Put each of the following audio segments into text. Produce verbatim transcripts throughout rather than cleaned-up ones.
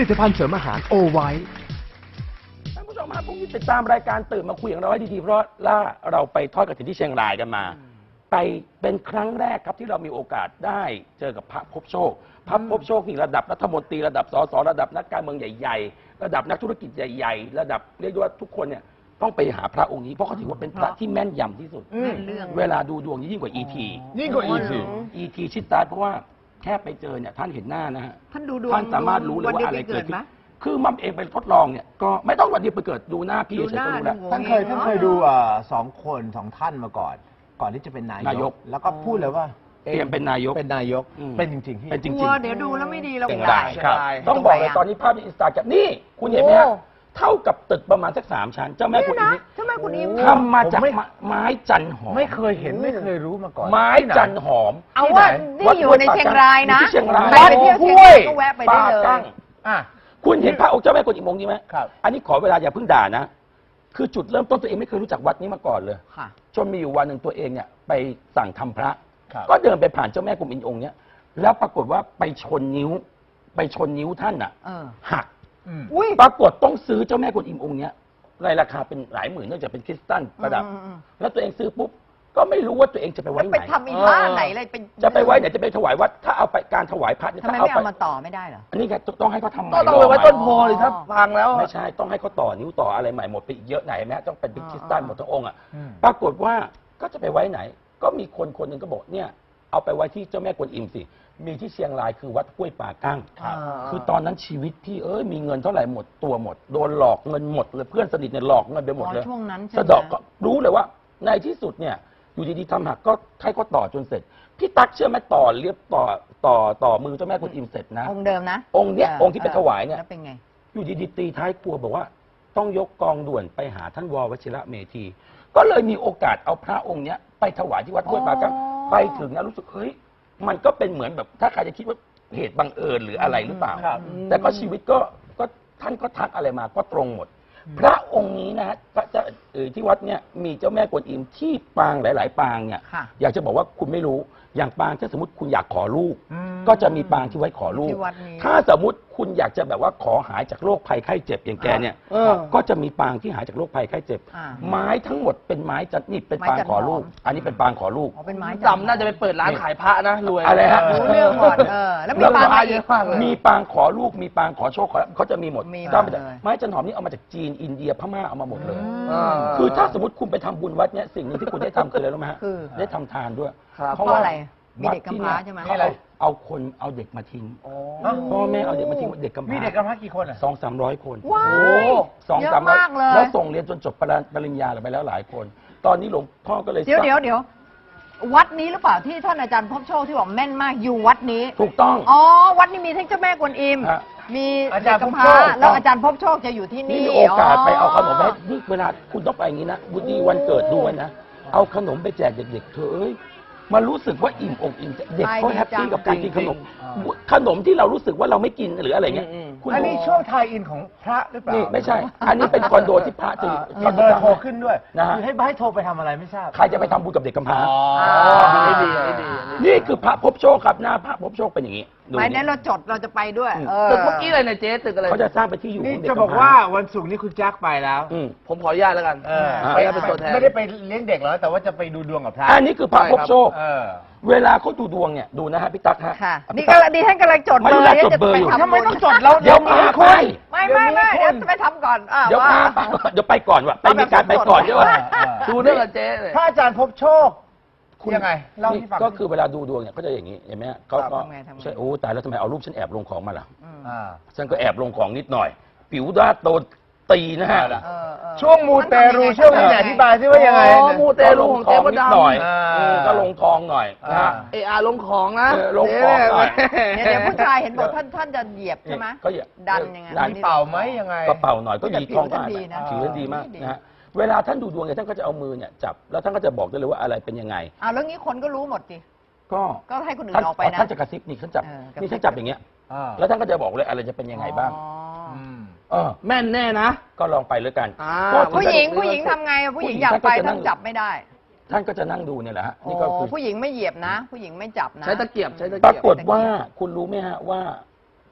ลิตภัณฑ์เสริมอาหารโอไวท์ท่านผู้ชมครับพรุ่งนี้ติดตามรายการตื่นมาคุยของเราให้ดีๆเพราะล่าเราไปทอดกฐินที่เชียงรายกันมา ไปเป็นครั้งแรกครับที่เรามีโอกาสได้เจอกับพระภพโชคพระภพโชคนี่ระดับรัฐมนตรีระดับสสระดับนักการเมืองใหญ่ๆระดับนักธุรกิจใหญ่ๆระดับเรียกว่าทุกคนเนี่ยต้องไปหาพระองค์นี้เพราะเขาถือว่าเป็นพระที่แม่นยำที่สุดเวลาดูดวงยิ่งกว่า อี ทียิ่งกว่าอีกสิอี ที ชิดตายเพราะว่าแค่ไปเจอเนี่ยท่านเห็นหน้านะฮะท่านดูดวงท่านสามารถรู้เลยว่าอะไรเกิดขึ้นไหมคือมัมเองไปทดลองเนี่ยก็ไม่ต้องวันเดียวไปเกิดดูหน้าพี่ดูเฉยหๆน้าก็รู้แล้วดูท่านเคยท่านเคยดูเอ่อสองคนสองท่านมาก่อน ก่อนที่จะเป็นนายนายกแล้วก็พูดเลยว่าเตรียมเป็นนายกเป็นนายกอืมเป็นจริงๆพี่เป็นจกริงลัวเดี๋ยวดูแล้วไม่ดีเราเชียงได้รายครับเชียงรายต้องบอกเลยตอนนี้ภาพในอินสตาแกรมนี่คุณเห็นไหมฮะเท่ากับตึกประมาณสักสามชั้น เจ้าแม่กุนอิมนี่ใช่ไหมคุณอิมทำมาจากผมไม่ไม้จันหอมไม่เคยเห็นไม่เคยรู้มาก่อนไม้จันหอมเอาว่านี่อยู่ในเชียงรายนะอยู่ที่เชียงรายใครไปเที่ยวเชียงรายก็แวะไปได้ปาเลยกั้งอ่ะคุณเห็นพระองค์เจ้าแม่กุนอิมองค์นี้ไหมครับอันนี้ขอเวลาอย่าเพิ่งด่านะ คือจุดเริ่มต้นตัวเองไม่เคยรู้จักวัดนี้มาก่อนเลยค่ะจนมีอยู่วันหนึ่งตัวเองเนี่ยไปสั่งทำพระครับก็เดินไปผ่านเจ้าแม่กุนอิมองค์เนี้ยแล้วปรากฏว่าไปชนนิ้ว ไปชนนิ้วท่านอ่ะเออหักอืมอุ้ยปรากฏต้องซื้อเจ้าแม่กุนอิมองค์เนี้ยในราคาเป็นหลายหมื่นเนื่องจากเป็นคริสตัลประดับอืมอืมแล้วตัวเองซื้อปุ๊บก็ไม่รู้ว่าตัวเองจะไปไว้แล้วไหไปนทำอีท่าไหนเลยไปจะไปไว้ไหนจะไปถวายวัดถ้าเอาไปการถวายพระเนี่ยทำไมถ้าเอาไม่ไปเอามาต่อไม่ได้เหรออันนี้ไงต้องให้เขาทำใหม่ก็ต้องไปไว้ต้นโพเลยถ้าพังแล้วไม่ใช่ต้องให้เขาต่อนิ้วต่ออะไรใหม่หมดไปอีกเยอะไหนไหมต้องเป็นคริสตัลหมดทั้งองค์อ่ะอืมปรากฏว่าก็จะไปไว้ไหน ก็มีคนคนหนึ่งก็บอกเนี่ยเอาไปไว้ที่เจ้าแม่กวนอิมสิมีที่เชียงรายคือวัดห้วยป่ากั้งครับคือตอนนั้นชีวิตพี่เอ้ยมีเงินเท่าไหร่หมดตัวหมดโดนหลอกเงินหมดเลยเพื่อนสนิทเนี่ยหลอกเงินไปหมดเลยอ๋อช่วงนั้นใช่ไหมสะเดอกก็รู้เลยว่าในที่สุดเนี่ยอยู่ดีๆทำหักก็ให้เขาต่อจนเสร็จพี่ตั๊กเชื่อไหมต่อเรียบต่อต่อต่อมือเจ้าแม่กวนอิมเสร็จนะองค์เดิมนะองค์เนี้ยองค์ที่ไปถวายเนี่ยแล้วเป็นไงอยู่ดีๆตีท้ายครัวบอกว่าต้องยกกองด่วนไปหาท่านววชิระเมธี ก็เลยมีโอกาสเอาพระองค์เนี้ยไปถวายที่วัดห้วยปากังอ๋อไปถึงนะรู้สึกเฮ้ยมันก็เป็นเหมือนแบบถ้าใครจะคิดว่าเหตุบังเอิญหรืออะไรหรือเปล่าครับแต่ก็ชีวิตก็ก็ท่านก็ทักอะไรมาก็ตรงหมด พระองค์นี้นะฮะพระเจ้าเอ่อที่วัดเนี่ยมีเจ้าแม่กวนอิมที่ปางหลาย ๆ ปางเนี่ยค่ะอยากจะบอกว่าคุณไม่รู้อย่างปางถ้าสมมติคุณอยากขอลูกอืมก็จะมีปางที่ไว้ขอลูกที่วัดนี้ถ้าสมมติคุณอยากจะแบบว่าขอหายจากโรคภัยไข้เจ็บอย่างแกเนี่ยเออก็จะมีปางที่หายจากโรคภัยไข้เจ็บอ่าไม้ทั้งหมดเป็นไม้จันนี่เป็นไม้ปางจันขอลูกหอมอันนี้เป็นปางขอลูกอ๋อเป็นไม้จำน่าจะไปเปิดร้านขายพระนะรวยอะไรฮะรู้เรื่องหมดเออ แล้วมีแล้วปางก็อะไรเยอีอะกมากเลยมีปางขอลูกมีปางขอโชคขอลาภเขาจะมีหมดมีหมดสร้างมาจากเลยไม้จันหอมนี่เอามาจากจีนอินเดียพม่าเอามาหมดเลยอ่าคือถ้าสมมติคุณไปทำบุญวัดเนี่ยสิ่งหนึ่งที่คุณได้ทำคืออะไรรู้ไหมฮะคือได้ทำทานด้วยครับเพราะอะไรมีเด็กกำพร้าใช่ไหมเขาเอาเอาคนเอาเด็กมาทิ้งพ่อแม่เอาเด็กมาทิ้งเด็กกำพมีร้าเด็กกำพร้ากี่คนอ่ะสองสามร้อยคนว้าโอ้ยสองเยอะสามร้อยมากเลยแล้วส่งเรียนจนจบปริญปริญญาไปแล้วหลายคน ตอนนี้หลวงพ่อก็เลยเดี๋ยวสั่งเดี๋ยวเดี๋ยววัดนี้หรือเปล่าที่ท่านอาจารย์พบโชคที่บอกแม่นมากอยู่วัดนี้ถูกต้องอ๋อ วัดนี้มีทั้งเจ้าแม่กวนอิมฮะมีอาจารย์เด็กกำพพบโชร้าคแล้วอาจารย์พบโชคจะอยู่ที่นี่นี่มีโอกาสไปเอาขนมไปให้นี่เวลาคุณต้องไปอย่างนี้นะบุดีวันเกิดดูไว้นะ เอาขนมไปแจกเด็กๆเธอเอ้ยมารู้สึกว่าอิ่มอกอิ่มใจเด็กเขาแฮปปี้กับการกินขนม ขนมที่เรารู้สึกว่าเราไม่กินหรืออะไรเงี้ยคุณอันนี้ช่วงไทยอินของพระหรือเปล่านี่ไม่ใช่ อันนี้เป็นคอนโดที่พระจะมีเบอร์โทรขึ้นด้วยนะฮะคือให้ให้โทรไปทำอะไรไม่ทราบใครจะไปทำบุญกับเด็กกำพร้าดีดีดีนี่คือพระภพโชคครับหน้าพระภพโชคเป็นอย่างนี้ดูไม่นี่นั้นเราจดเราจะไปด้วย เออตึกเมื่อกี้เลยนะเจ๊ตึกอะไรเขาจะสร้างไปนที่อยู่นี่ของเด็กจะกำพร้บอกว่าวันศุกร์นี้คุณแจ็คไปแล้วอืมผมขออนุญาตแล้วกันเอออ่าไปไปเป็นตัวแทนไม่ได้ไปเลี้ยงเด็กแล้วแต่ว่าจะไปดูดวงกับพระอันนี้คือพระภพโชคเออเวลาเขาดูดวงเนี่ยดูนะฮะพี่ตั๊กฮะค่ะพี่นี่ตั๊ก็ดีท่านกำลังจดไม่เบอได้ร์เดี๋ยวจดจะเบอร์ไปอยู่ทำทำไมบุญต้องจดเราเดี๋ยวพาไปไม่ไม่ไม่เดี๋ยวจะไปทำก่อนอ่ะเดี๋ยวว่าพาไปเดี๋ยวไปก่อนว่ะไปมีการไปก่อนด้วยว่ะดูเรื่องกับเจ๊เลยพระอาจารย์พบโชคคุณยังไงเล่าให้ฟังก็คือเวลาดูดวงเนี่ยเขาจะอย่างนี้เห็นไหมฮะเขาก็ทำไงทำไงใช่โอ้ตายแล้วทำไมเอารูปฉันแอบลงของมาล่ะอ่าฉันก็แอบลงของนิดหน่อย ผิวด้านโตตีนะฮะเออเออช่วงมูเตรูช่วงนี้ไหนอธิบายซิว่ายังไงอ๋อมูเตลูของเจ๊มดนิดหน่อยำอ่าเออก็ลงทองหน่อยนะฮะเออาลงของนะเออลงของหน่อยเดี๋ยวเดี๋ยวผู้ชายเห็นบอกท่านท่านจะเหยียบใช่ไหมก็อย่าดันยังไงดันมีเป่าไหมยังไงก็เป่าหน่อยก็แต่ดีผิวทองก็ท่านดีนะผิวท่านดีมากดีนะฮะเวลาท่านดูดวงเนี่ยท่านก็จะเอามือเนี่ยจับแล้วท่านก็จะบอกได้เลยว่าอะไรเป็นยังไงอ้าวแล้วงี้คนก็รู้หมดสิก็ก็ให้คนอื่ท่านนออกไปนะท่านจะกระซิบนี่ท่านจับเออกระซิบนี่ท่านจับอย่างเงี้ยอ่าแล้วท่านก็จะบอกเลยอะไรจะเป็นยังไงบ้างอ๋ออืมเออแม่นแน่นะก็ลองไปเลยกันอ่าก็ผู้หญิงผู้หญิงทำไงอะผู้หญิงอยากไปผู้หญิงท่านก็จะนั่ต้อง งจับไม่ได้ท่านก็จะนั่งดูเนี่ยแหละฮะโอ้นี่ก็คือผู้หญิงไม่เหยียบนะ ผู้หญิงไม่จับนะใช้ตะเกียบใช้ตะปราเกียบกฏว่าคุณรู้ไหมฮะว่า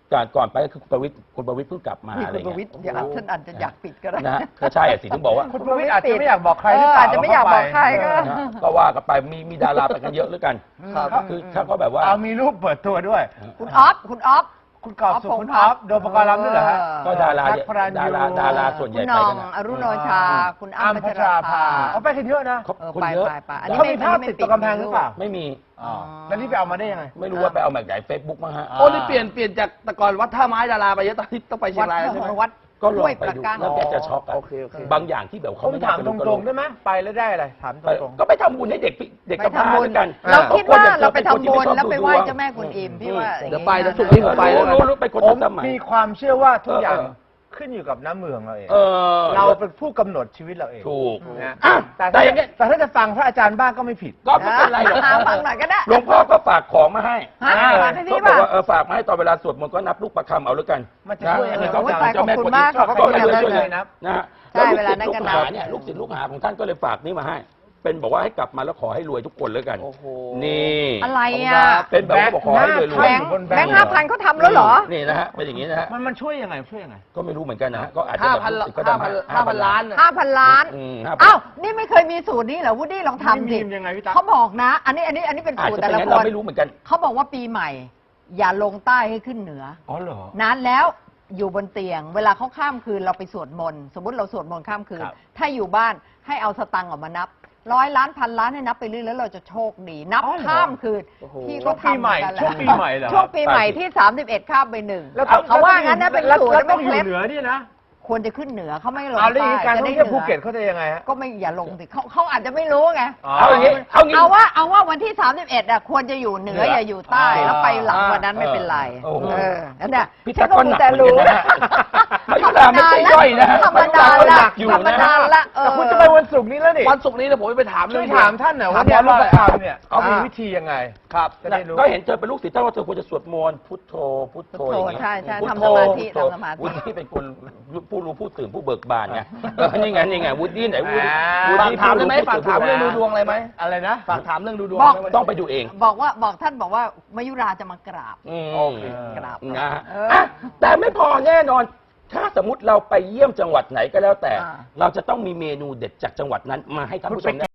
ก่อนก่อนไปก็คือคุณประวิตรคุณประวิตรเพิ่งกลับมานี่อะไรคุณประวิเงี้ตยรเดี๋ยวท่านอาจจะอยากปิดก็ได้นะฮะก็ใช่อะสิถึงบอกว่าคุณประวิตรอาจจะไม่อยากบอกใครหรือเปล่าเอออาจจะไม่อยากบอกใครก็นะฮะก็ว่ากันไปมีมีดาราไปกันเยอะหรือกันครับคือถ้าเขาแบบว่าเอามีรูปเปิดตัวด้วยคุณออฟคุณออฟคุณกอบสุขคุณออฟโดมปกรณ์ลำด้วยเหรอฮะก็ดาราแท็กพระรันยูดาราดาราส่วนใหคุญ่ณหไปน้องกันนะอรุโนชา คุณอ้ำอ้ำพัพัชชราราภาภาเขาไปกันเยอะนะเขาเออคนไปเยอะไปไปอันนี้เขาไม่มีภาพติดตัวกำแพงหรือเปล่าไม่มีอ๋อแล้วนี่ไปเอามาได้ยังไงไม่รู้ว่าไปเอามาจากไหนเฟซบุ๊กมั้งฮะโอ้นี่เปลี่ยนเปลี่ยนจากแต่ก่อนวัดท่าไม้ดาราไปเยอะตอนนี้ต้องไปเชีวัยดงรายแล้วใช่ไหมวัดก็ลห้องวยไปประดูการแล้วแกจะช็อกอะโอเคโอเคบางอย่างที่แบบผเขามไม่ถามน่ตจะรงๆได้ไหมไปแล้วได้อะไรถามตรงๆก็ไปทำบุญให้เด็กพี่เด็กไปกำพร้าทำบุญด้วยกันเราคิดว่าออเราไปทำคนบุญที่ม่ชอบแล้วไปดูไหว้ดวงเจ้าแม่กุนอิมพี่ว่าเดี๋ยวไปแล้วสุกร์นี้ผมไปแล้วกันรู้รู้เป็นคนผมสมัยมีความเชื่อว่าทุกอย่างเออขึ้นอยู่กับน้ำมือของเราเองเออเราเป็นผู้กำหนดชีวิตเราเองถูกนะอ่ะแต่แต่ถ้าอย่างเงี้ยแต่ถ้าจะฟังพระอาจารย์บ้างก็ไม่ผิดก็ไม่เป็นไรหรอกหาฟังหน่อยก็ได้หลวงพ่อก็ฝากของมาให้ฮะอ่าฝากให้พี่ก็บอกป่ะว่าเออฝากมาให้ตอนเวลาสวดมนต์ก็นับลูกประคำเอาแล้วกันมันจะช่วยยังไงก็โอ้ยฝากเจ้าแม่ขอบกคุวนณอิมากมขอบก็คุณเลยอย่างนั้นช่วยเลเลย ยนะนะฮะใช่แล้วเวลานั้นลูกก็ศิษย์นัลูบกหาเนี่ยลูกศิษย์ลูกหาของท่านก็เลยฝากนี่มาให้ เป็นบอกว่าให้กลับมาแล้วขอให้รวยทุกคนแล้วกันโอ้โหนี่อะไรอ่ะเป็นแบบว่าบอกขอให้รวยรแบวยงค์แบงค์ห้าพันเขาทำแล้วเหรอนี่นะฮะเป็นอย่างนี้นะฮะมันมันช่วยยังไงช่วยยังไงก็ไม่รู้เหมือนกันนะฮะก็อาจจะห้าแบบพันลูกศิษย์ก็ห้าทำพันให้ห้าพันล้านน่ะห้าพันล้านอืมห้าพันอ้าว นี่ไม่เคยมีสูตรนี้เหรอวูดดี้ลองทำสิมียังไงพี่ตั๊กเขาบอกนะ อันนี้อันนี้อันนี้เป็นอาจสูตรจะแต่เป็นละงั้นคเรานไม่รู้เหมือนกันเขาบอกว่าปีใหม่ อย่าลงใต้ให้ขึ้นเหนืออ๋อเหรอนานแล้วอยู่บนเตียง เวลาเขาข้ามคืนเราไปสวดมนต์สมมติเราสวดมนต์ข้ามคืนครับถ้าอยู่บ้านให้เอาสตังค์ออกมานับร้อยล้านพันล้านให้นับไปเรื่อยแล้วเราจะโชคดี นับอ๋อเหรอข้ามคืนโอ้โหที่ช่วเขางปีใหม่ทำกันแหละช่วงปีใหม่เหรอช่วงปีใหม่ที่สามสิบเอ็ดข้ามไปหนึ่งแล้วต้องเขาว่างั้นนะเป็นแล้วสูตรแล้วไม่ต้องอยู่เคล็ดเหนือนี่นะควรจะขึ้นเหนือเขาไม่ลงเอาแล้วอย่างใต้นี้การจะท่อได้งเหเที่ยวนืภูอเก็ตเขาจะยังไงฮะก็ไม่อย่าลงสิเขาเขาอาจจะไม่รู้ไงอ๋อเอาอย่างนี้เอางี้เอาว่าเอาว่าวันที่ สามสิบเอ็ดอ่ะควรจะอยู่เหนืออย่าอยู่ใต้อ่าแล้วไปหลังวันนั้นไม่เป็นไรโอ้โหเออนั่นแหละพี่ตั๊กก็หนักเหมือนกันนะฮะมายุราไม่ใช่ย่อยนะธรรมดามายุราก็หละนักอยู่ธรรมนะดาละเออแต่คุณจะไปวันศุกร์นี้แล้วนี่วันศุกร์นี้เดี๋ยวผมไปถามช่เรื่วอย งถามท่านหน่อยว่าเนี่ยรูปประคำเนี่ยเขามีวิธียังไงครับจะได้รู้ก็เห็นเธอเป็นลูกศิษย์ท่านว่าเธอควรจะสวดมนต์พุทโธพุทโธพุทโธอย่างเงี้ยใช่ใช่พุททำโธสมาธิพุทโธทำสมาธิวุฒิเป็นคนผู้รู้ผู้ตื่นผู้เบิกบานไงเออนี่ไงนี่ไงวุฒิไหนวุฒิอ่าวุฝากฒิถามได้ไหมฝากถามเรื่องดูดวงอะไรไหมอะไรนะฝากถามเรื่องดูดวงบอกได้ไหมต้องไปดูเองบอกว่าบอกท่านบอกว่ามายุราจะมากราบอืมโอเคกราบนะฮะเอออ่อ่ะแต่ไม่พอแน่นอน ถ้าสมมติเราไปเยี่ยมจังหวัดไหนก็แล้วแต่อ่าเราจะต้องมีเมนูเด็ดจากจังหวัดนั้นมาให้ท่านผู้ชมได้